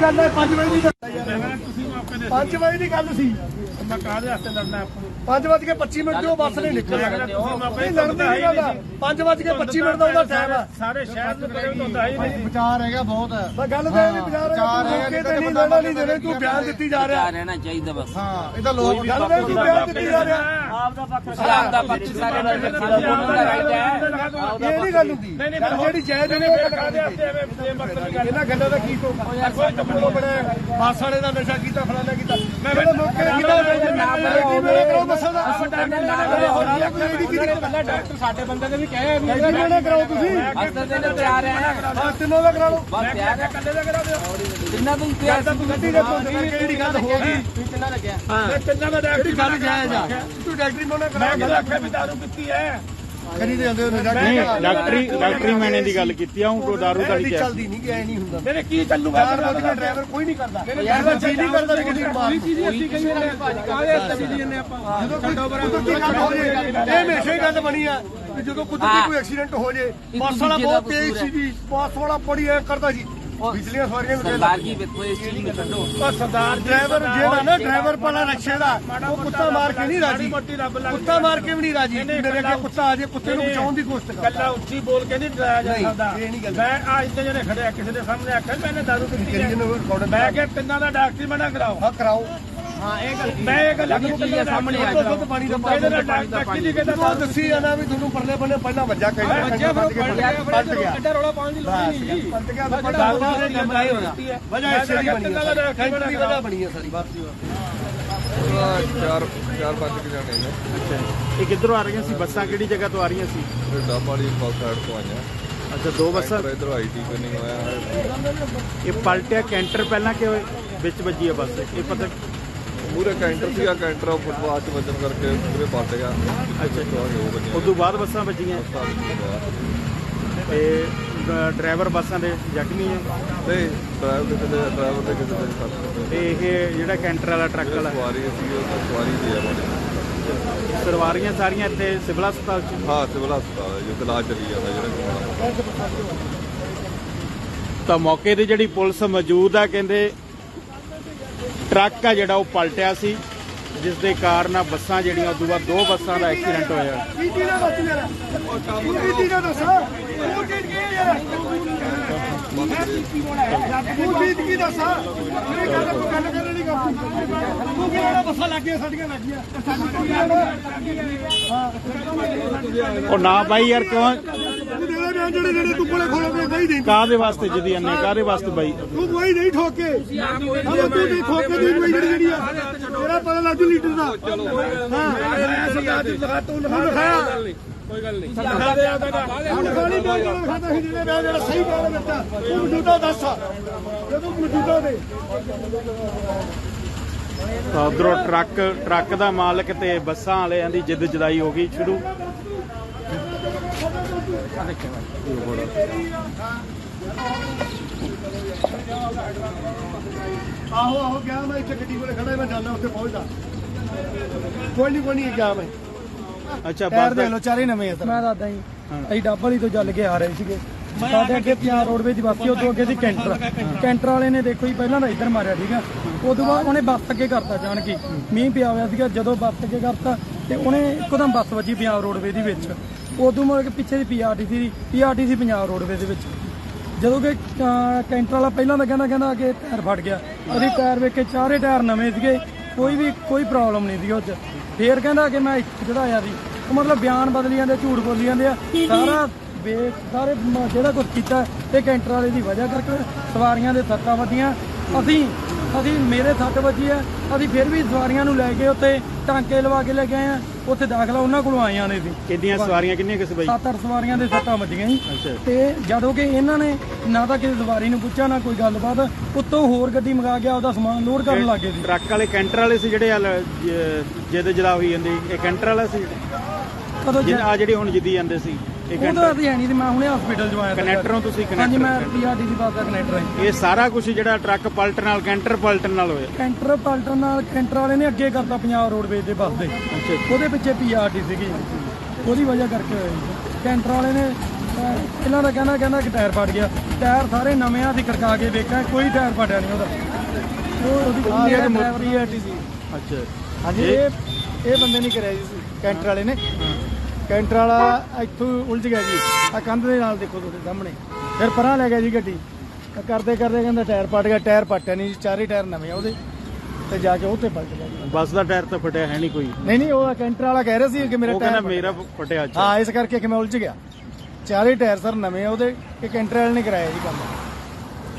ਗੱਲ ਹੈ 5 ਵਜੇ ਦੀ 5 ਵਜੇ ਦੀ ਗੱਲ ਸੀ। ਮੈਂ ਕਾਹਦੇ ਵਾਸਤੇ ਲੜਨਾ ਆਪਾਂ 5:25 ਮਿੰਟ ਤੋਂ ਬੱਸ ਨਹੀਂ ਨਿਕਲਿਆ। ਨਹੀਂ ਲੜਦੇ ਨਹੀਂ ਗੱਲ 5:25 ਮਿੰਟ ਦਾ ਉਹਦਾ ਟਾਈਮ ਆ। ਸਾਰੇ ਸ਼ਹਿਰ ਨੂੰ ਕਰੇ ਹੁੰਦਾ ਹੀ ਨਹੀਂ। ਵਿਚਾਰ ਹੈਗਾ ਬਹੁਤ ਹੈ। ਬਸ ਗੱਲ ਤਾਂ ਇਹ ਵੀ ਵਿਚਾਰ ਮੌਕੇ ਤੇ ਨਹੀਂ ਲੜਨਾ ਨਹੀਂ ਦੇਣੇ। ਤੂੰ ਬਿਆਨ ਦਿੱਤੀ ਜਾ ਰਿਹਾ ਰਹਿਣਾ ਚਾਹੀਦਾ ਬਸ। ਹਾਂ ਇਹ ਤਾਂ ਲੋਕ ਗੱਲ ਤਾਂ ਤੂੰ ਬਿਆਨ ਦਿੱਤੀ ਜਾ ਰਿਹਾ। ਆਪ ਦਾ ਪੱਖ ਸਾਰੇ ਇਹ ਨਹੀਂ ਗੱਲ ਹੁੰਦੀ। ਜਿਹੜੀ ਜਾਇਜ਼ ਨੇ ਇਹਨਾਂ ਗੱਲਾਂ ਦਾ ਕੀ ਹੋਊਗਾ। ਕੋਈ ਟੱਪੜੋ ਬੜਾ ਬੱਸ ਵਾਲੇ ਦਾ ਨਸ਼ਾ ਕੀਤਾ ਫਲਾਣਾ ਕੀਤਾ। ਮੈਂ ਮੌਕੇ ਤੇ ਕੀਤਾ ਬੱਸਾਂ ਦਾ ਡਾਕਟਰ ਸਾਡੇ ਬੰਦੇ ਦੇ ਵੀ ਕਹੇ ਕਰਾਓ ਤੁਸੀਂ ਹਸਤੇ ਦੇ ਤਿਆਰ ਹੈ ਤਿੰਨੋਂ ਦਾ ਕਰਾ ਲਓ। ਬਸ ਤਿਆਰ ਹੈ ਕੱਲੇ ਦਾ ਕਰਾ ਦਿਓ ਤਿੰਨਾਂ ਤੋਂ ਤਿਆਰ ਗੱਡੀ ਦੇ ਕਿਹੜੀ ਗੱਲ ਹੋ ਗਈ। ਕਿੰਨਾ ਲੱਗਿਆ ਮੈਂ ਤਿੰਨਾਂ ਦਾ ਡਾਕਟਰੀ ਗੱਲ ਜਾਇਜ਼ ਆ। ਤੂੰ ਡਾਕਟਰੀ ਮੋਨਾ ਕਰਾ ਮੈਂ ਆਖਿਆ ਵੀ ਦਾਰੂ ਪੀਤੀ ਹੈ। ਕਰੀ ਦੇ ਜਾਂਦੇ ਨਹੀਂ ਡਾਕਟਰੀ ਮੈਨੇ ਦੀ ਗੱਲ ਕੀਤੀ ਆ। ਹੁਣ ਦਾਰੂ ਦਾ ਨਹੀਂ ਚੱਲਦੀ ਨਹੀਂ ਗਿਆ ਨਹੀਂ ਹੁੰਦਾ। ਮੇਰੇ ਕੀ ਚੱਲੂਗਾ ਡਰਾਈਵਰ ਕੋਈ ਨਹੀਂ ਕਰਦਾ। ਯਾਰ ਚੀਜ਼ ਨਹੀਂ ਕਰਦਾ ਕਿਸੇ ਨੂੰ ਮਾਰ ਜਦੋਂ ਕੁਦਰਤੀ ਗੱਲ ਹੋ ਜੇ ਇਹ ਹਮੇਸ਼ਾ ਹੀ ਗੱਲ ਬਣੀ ਆ ਕਿ ਜਦੋਂ ਕੁਦਰਤੀ ਕੋਈ ਐਕਸੀਡੈਂਟ ਹੋ ਜੇ ਬੱਸ ਵਾਲਾ ਬਹੁਤ ਤੇਜ਼ ਸੀ ਜੀ। ਬੱਸ ਵਾਲਾ ਬੜੀ ਐ ਕਰਦਾ ਜੀ। ਪਿਛਲੀਆਂ ਸਵਾਰੀਆਂ ਨੂੰ ਸਰਦਾਰ ਜੀ ਵੇਖੋ ਇਸ ਚੀਜ਼ ਨੂੰ ਛੱਡੋ। ਉਹ ਸਰਦਾਰ ਡਰਾਈਵਰ ਜਿਹੜਾ ਨਾ ਡਰਾਈਵਰ ਵਾਲਾ ਰਕਸ਼ੇ ਦਾ ਉਹ ਕੁੱਤਾ ਮਾਰ ਕੇ ਨਹੀਂ ਰਾਜੀ। ਕੁੱਤਾ ਮਾਰ ਕੇ ਵੀ ਨਹੀਂ ਰਾਜੀ। ਮੇਰੇ ਅੱਗੇ ਕੁੱਤਾ ਆ ਜੇ ਕੁੱਤੇ ਨੂੰ ਬਚਾਉਣ ਦੀ ਕੋਸ਼ਿਸ਼ ਕਰ। ਕੱਲਾ ਉੱਚੀ ਬੋਲ ਕੇ ਨਹੀਂ ਡਰਾਇਆ ਜਾ ਸਕਦਾ। ਮੈਂ ਅੱਜ ਤੇ ਜਿਹੜੇ ਖੜੇ ਕਿਸੇ ਦੇ ਸਾਹਮਣੇ ਆਖਿਆ ਮੈਨੇ ਦਾਰੂ ਪੀਤੀ ਹੈ। ਮੈਂ ਕਿਹਾ ਤਿੰਨਾਂ ਦਾ ਡਾਕਟਰੀ ਮਨਾ ਕਰਾਓ। ਹਾਂ ਕਰਾਓ। ਹਾਂ ਇਹ ਗੱਲ ਮੈਂ ਇਹ ਗੱਲ ਸਾਹਮਣੇ ਆ ਦੁੱਧ ਪਾਣੀ ਦਾ ਡਾਕਟਰੀ ਦੀ ਕਹਿੰਦਾ ਉਹ ਦੱਸੀ ਜਾਣਾ ਵੀ ਤੁਹਾਨੂੰ ਪਰਲੇ ਬੰਨੇ ਪਹਿਲਾਂ ਵੱਜਾ ਕਹਿੰਦਾ ਪਲਟ ਗਿਆ। ਐਡਾ ਰੌਲਾ ਪਾਉਣ ਦੀ ਲੋੜ ਨਹੀਂ ਜੀ। ਪਲਟ ਗਿਆ ਵਜ੍ਹਾ ਇਸੇ ਦੀ ਬਣੀ ਹੈ। ਕੈਂਟਰ ਦੀ ਵਜ੍ਹਾ ਬਣੀ ਹੈ ਸਾਰੀ ਬਾਤ ਦੀ। 4-5 ਕੇ ਜਾਣੇ ਨੇ। ਅੱਛਾ ਇਹ ਕਿੱਧਰੋਂ ਆ ਰਹੀਆਂ ਸੀ ਬੱਸਾਂ? ਕਿਹੜੀ ਜਗ੍ਹਾ ਤੋਂ ਆ ਰਹੀਆਂ ਸੀ? ਡੱਬ ਵਾਲੀ ਬੱਸ ਸਾਈਡ ਤੋਂ ਆਈਆਂ। ਅੱਛਾ ਦੋ ਬੱਸਾਂ ਇਧਰ ਆਈਟੀ ਕਨਿੰਗ ਹੋਇਆ ਹੈ। ਇਹ ਪਲਟਿਆ ਕੈਂਟਰ ਪਹਿਲਾਂ ਕਿ ਵਿੱਚ ਵੱਜੀ ਆ ਬੱਸ? ਇਹ ਪਤਾ ਪੂਰੇ ਕੈਂਟਰ ਸੀਗਾ। ਕੈਂਟਰ ਫੁੱਟਪਾਥ 'ਚ ਵੱਜਣ ਕਰਕੇ ਪੂਰੇ ਪਲਟ ਗਿਆ। ਅੱਛਾ ਉਹ ਬੰਨੀਆਂ ਉਸ ਤੋਂ ਬਾਅਦ ਬੱਸਾਂ ਵੱਜੀਆਂ ਤੇ ਡਰਾਈਵਰ ਬੱਸਾਂ ਦੇ ਜ਼ਖਮੀ ਹੈ ਨਹੀਂ ਡਰਾਈਵਰ ਦੇ ਕਿਸੇ ਦੇ ਸੱਟ। ਤੇ ਇਹ ਜਿਹੜਾ ਕੈਂਟਰ ਵਾਲਾ ਟਰੱਕ ਵਾਲਾ ਸਵਾਰੀ ਸੀ ਉਹ ਤਾਂ ਸਵਾਰੀ ਦੀ ਹੈ। ਸਵਾਰੀਆਂ ਸਾਰੀਆਂ ਇੱਥੇ ਸਿਵਲ ਹਸਪਤਾਲ 'ਚ? ਹਾਂ ਸਿਵਲ ਹਸਪਤਾਲ ਹੈ ਜੋ ਇਲਾਜ ਚੱਲੀ ਜਾਂਦਾ ਜਿਹੜਾ। ਤਾਂ ਮੌਕੇ ਤੇ ਜਿਹੜੀ ਪੁਲਿਸ ਮੌਜੂਦ ਆ ਕਹਿੰਦੇ ਟਰੱਕ ਆ ਜਿਹੜਾ ਉਹ ਪਲਟਿਆ ਸੀ ਜਿਸ ਦੇ ਕਾਰਨ ਬੱਸਾਂ ਜਿਹੜੀਆਂ ਉਦੋਂ ਬਾਅਦ ਦੋ ਬੱਸਾਂ ਦਾ ਐਕਸੀਡੈਂਟ ਹੋਇਆ। ਕੀ ਚੀਜ਼ ਦਾ ਦੱਸ ਯਾਰ ਤੂੰ ਕੀ ਚੀਜ਼ ਦਾ ਦੱਸ। ਤੂੰ ਚੀਜ਼ ਕੀ ਯਾਰ ਤੂੰ ਚੀਜ਼ ਕੀ ਦੱਸ। ਮੇਰੀ ਗੱਲ ਕੋਈ ਗੱਲ ਕਰਨ ਨਹੀਂ ਕਰਦੀ। ਤੂੰ ਕੀ ਜਿਹੜਾ ਬੱਸਾਂ ਲੱਗੀਆਂ ਸਾਡੀਆਂ ਲੱਗੀਆਂ ਉਹ ਨਾ ਬਾਈ ਯਾਰ ਕਿਉਂ ਜਿਹੜੇ ਤੂੰ ਕੋਲੇ ਖੋਲੋਗੇ ਨਹੀਂ ਦੇ ਕਾਹਦੇ ਵਾਸਤੇ ਜਦੀ ਅੰਨੇ ਕਾਹਦੇ ਵਾਸਤੇ ਬਾਈ? ਤੂੰ ਕੋਈ ਨਹੀਂ ਠੋਕੇ ਤੂੰ ਨਹੀਂ ਠੋਕੇ ਦੀ ਕੋਈ ਜਿਹੜੀ ਆ ਤੇਰਾ ਪਤਾ ਲੱਜੂ ਲੀਟਰ ਦਾ। ਹਾਂ ਤੂੰ ਲਿਖਾਇਆ ਕੋਈ ਗੱਲ ਨਹੀਂ। ਖਾਲੀ ਬਿਆਨ ਜਿਹੜਾ ਲਿਖਾਤਾ ਸੀ ਜਿਹੜੇ ਬਿਆਨ ਜਿਹੜਾ ਸਹੀ ਬਿਆਨ ਦਿੱਤਾ ਤੂੰ ਮੌਜੂਦਾ ਦੱਸ ਜਦੋਂ ਮੌਜੂਦਾ ਦੇ। ਤਾਂ ਉਧਰੋਂ ਟਰੱਕ ਦਾ ਮਾਲਕ ਤੇ ਬੱਸਾਂ ਵਾਲਿਆਂ ਦੀ ਜਿੱਦ ਜਦਾਈ ਹੋ ਗਈ ਸ਼ੁਰੂ। ਆਹੋ ਗਿਆ ਮੈਂ ਇੱਥੇ ਗੱਡੀ ਕੋਲੇ ਖੜਾ ਮੈਂ ਜਾਂਦਾ ਉੱਥੇ ਪਹੁੰਚਦਾ। ਕੋਈ ਨਹੀਂ ਗਿਆ ਮੈਂ। ਅੱਛਾ ਟਾਇਰ ਦੇ ਲੋ ਚਾਰੇ ਨਵੇਂ ਆ। ਮੈਂ ਦੱਸਦਾ ਜੀ ਅਸੀਂ ਡੱਬ ਵਾਲੀ ਤੋਂ ਚੱਲ ਕੇ ਆ ਰਹੇ ਸੀਗੇ। ਸਾਡੇ ਅੱਗੇ ਪੰਜਾਬ ਰੋਡਵੇਜ਼ ਦੀ ਬੱਸ ਸੀ। ਉਦੋਂ ਅੱਗੇ ਦੀ ਕੈਂਟਰ ਵਾਲੇ ਨੇ ਦੇਖੋ ਜੀ ਪਹਿਲਾਂ ਤਾਂ ਇੱਧਰ ਮਾਰਿਆ ਠੀਕ ਆ। ਉਦੋਂ ਬਾਅਦ ਉਹਨੇ ਬੱਸ ਅੱਗੇ ਕਰਤਾ ਜਾਣ ਕੇ। ਮੀਂਹ ਪਿਆ ਹੋਇਆ ਸੀਗਾ। ਜਦੋਂ ਬੱਸ ਅੱਗੇ ਕਰਤਾ ਤੇ ਉਹਨੇ ਇੱਕਦਮ ਬੱਸ ਵੱਜੀ ਪੰਜਾਬ ਰੋਡਵੇਜ਼ ਦੀ ਵਿੱਚ। ਉਦੋਂ ਮੁੜ ਕੇ ਪਿੱਛੇ ਦੀ ਪੀਆਰਟੀਸੀ ਪੰਜਾਬ ਰੋਡਵੇਜ਼ ਦੇ ਵਿੱਚ। ਜਦੋਂ ਕਿ ਕੈਂਟਰ ਵਾਲਾ ਪਹਿਲਾਂ ਤਾਂ ਕਹਿੰਦਾ ਕਿ ਟਾਇਰ ਫਟ ਗਿਆ। ਅਸੀਂ ਟਾਇਰ ਵੇਖ ਕੇ ਚਾਰੇ ਟਾਇਰ ਨਵੇਂ ਸੀਗੇ। ਕੋਈ ਪ੍ਰੋਬਲਮ ਨਹੀਂ ਸੀ ਉਹ 'ਚ। ਫੇਰ ਕਹਿੰਦਾ ਕਿ ਮੈਂ ਚੜਾਇਆ ਸੀ। ਉਹ ਮਤਲਬ ਬਿਆਨ ਬਦਲੀ ਜਾਂਦੇ ਝੂਠ ਬੋਲੀ ਜਾਂਦੇ ਆ। ਸਾਰੇ ਜਿਹੜਾ ਕੁਝ ਕੀਤਾ ਇਹ ਕੈਂਟਰ ਵਾਲੇ ਦੀ ਵਜ੍ਹਾ ਕਰਕੇ ਸਵਾਰੀਆਂ ਦੇ ਸੱਟਾਂ ਵੱਜੀਆਂ। ਅਸੀਂ ਮੇਰੇ ਸੱਟ ਵੱਜੀ ਆ। ਅਸੀਂ ਫਿਰ ਵੀ ਸਵਾਰੀਆਂ ਨੂੰ ਲੈ ਕੇ ਉੱਥੇ ਟਾਂਕੇ ਲਵਾ ਕੇ ਲੈ ਕੇ ਆਏ ਆ। ਉੱਥੇ ਦਾਖਲਾ ਉਹਨਾਂ ਕੋਲੋਂ ਆਈਆਂ ਨੇ ਸੀ। ਕਿੰਨੀਆਂ ਸਵਾਰੀਆਂ ਕਿੰਨੀਆਂ ਕਿਸ ਬਾਈ? 7-8 ਸਵਾਰੀਆਂ ਦੇ ਸੱਟਾਂ ਵੱਜੀਆਂ ਜੀ। ਤੇ ਜਦੋਂ ਕਿ ਇਹਨਾਂ ਨੇ ਨਾ ਤਾਂ ਕਿਸੇ ਸਵਾਰੀ ਨੂੰ ਪੁੱਛਿਆ ਨਾ ਕੋਈ ਗੱਲਬਾਤ। ਉੱਤੋਂ ਹੋਰ ਗੱਡੀ ਮੰਗਾ ਕੇ ਆਪਦਾ ਸਮਾਨ ਲੋਡ ਕਰਨ ਲੱਗੇ ਸੀ। ਟਰੱਕ ਵਾਲੇ ਕੈਂਟਰ ਵਾਲੇ ਸੀ ਜਿਹੜੇ ਜਿੱਦ ਜਦਾ ਹੋਈ ਜਾਂਦੀ। ਇਹ ਕੈਂਟਰ ਵਾਲਾ ਸੀ ਆ ਜਿਹੜੀ ਹੁਣ ਜਿੱਦੀ ਜਾਂਦੇ ਸੀ। ਉਹ ਤਾਂ ਅਸੀਂ ਹੈ ਨਹੀਂ ਸੀ। ਮੈਂ ਹੁਣੇ ਹਸਪੀਟਲ ਚ ਆਇਆ। ਕਨੈਕਟਰੋਂ ਤੁਸੀਂ ਹਾਂਜੀ ਮੈਂ ਪੀਆਰਟੀਸੀ ਬੱਸ ਦਾ ਕਨੈਕਟਰ ਹਾਂ। ਇਹ ਸਾਰਾ ਕੁਝ ਜਿਹੜਾ ਟਰੱਕ ਪਲਟਣ ਨਾਲ ਕੈਂਟਰ ਪਲਟਣ ਨਾਲ ਹੋਇਆ। ਕੈਂਟਰ ਪਲਟਣ ਨਾਲ ਕੈਂਟਰ ਵਾਲੇ ਨੇ ਅੱਗੇ ਕਰਤਾ ਪੰਜਾਬ ਰੋਡਵੇਜ਼ ਦੇ ਬੱਸ ਦੇ। ਉਹਦੇ ਪਿੱਛੇ ਪੀਆਰਟੀ ਸੀਗੀ। ਉਹਦੀ ਵਜ੍ਹਾ ਕਰਕੇ ਹੋਇਆ ਜੀ। ਕੈਂਟਰ ਵਾਲੇ ਨੇ ਇਹਨਾਂ ਦਾ ਕਹਿੰਦਾ ਕਿ ਟਾਇਰ ਫਟ ਗਿਆ। ਟਾਇਰ ਸਾਰੇ ਨਵੇਂ ਆ, ਅਸੀਂ ਖੜਕਾ ਕੇ ਵੇਖਾਂ ਕੋਈ ਟਾਇਰ ਫਟਿਆ ਨਹੀਂ ਉਹਦਾ। ਉਹਦੀ ਡਰਾਈਵਰ ਦੀ ਸੀ। ਅੱਛਾ ਹਾਂਜੀ ਇਹ ਬੰਦੇ ਨਹੀਂ ਕਰਿਆ ਜੀ, ਕੈਂਟਰ ਵਾਲੇ ਨੇ। ਕੈਂਟਰ ਵਾਲਾ ਇੱਥੋਂ ਉਲਝ ਗਿਆ ਜੀ, ਆ ਕੰਧ ਦੇ ਨਾਲ ਦੇਖੋ ਤੁਹਾਡੇ ਸਾਹਮਣੇ। ਫਿਰ ਪਰਾਂ ਲੈ ਗਿਆ ਜੀ ਗੱਡੀ, ਕਰਦੇ ਕਹਿੰਦਾ ਟਾਇਰ ਪਟ ਗਿਆ। ਟਾਇਰ ਪਟਿਆ ਨਹੀਂ ਜੀ, ਚਾਰੇ ਟਾਇਰ ਨਵੇਂ ਆ ਉਹਦੇ, ਤੇ ਜਾ ਕੇ ਉਹ ਤੇ ਪਲਟ ਗਿਆ ਜੀ। ਬੱਸ ਦਾ ਟਾਇਰ ਤਾਂ ਫਟਿਆ ਹੈ ਨਹੀਂ ਕੋਈ। ਨਹੀਂ ਉਹ ਕੈਂਟਰ ਵਾਲਾ ਕਹਿ ਰਿਹਾ ਸੀ ਕਿ ਮੇਰਾ ਉਹ ਟਾਇਰ ਕਹਿੰਦਾ ਮੇਰਾ ਫਟਿਆ। ਹਾਂ, ਇਸ ਕਰਕੇ ਕਿ ਮੈਂ ਉਲਝ ਗਿਆ। ਚਾਰੇ ਟਾਇਰ ਸਰ ਨਵੇਂ ਆ ਉਹਦੇ, ਇਹ ਕੈਂਟਰ ਵਾਲੇ ਨੇ ਕਰਾਇਆ ਜੀ ਕੰਮ।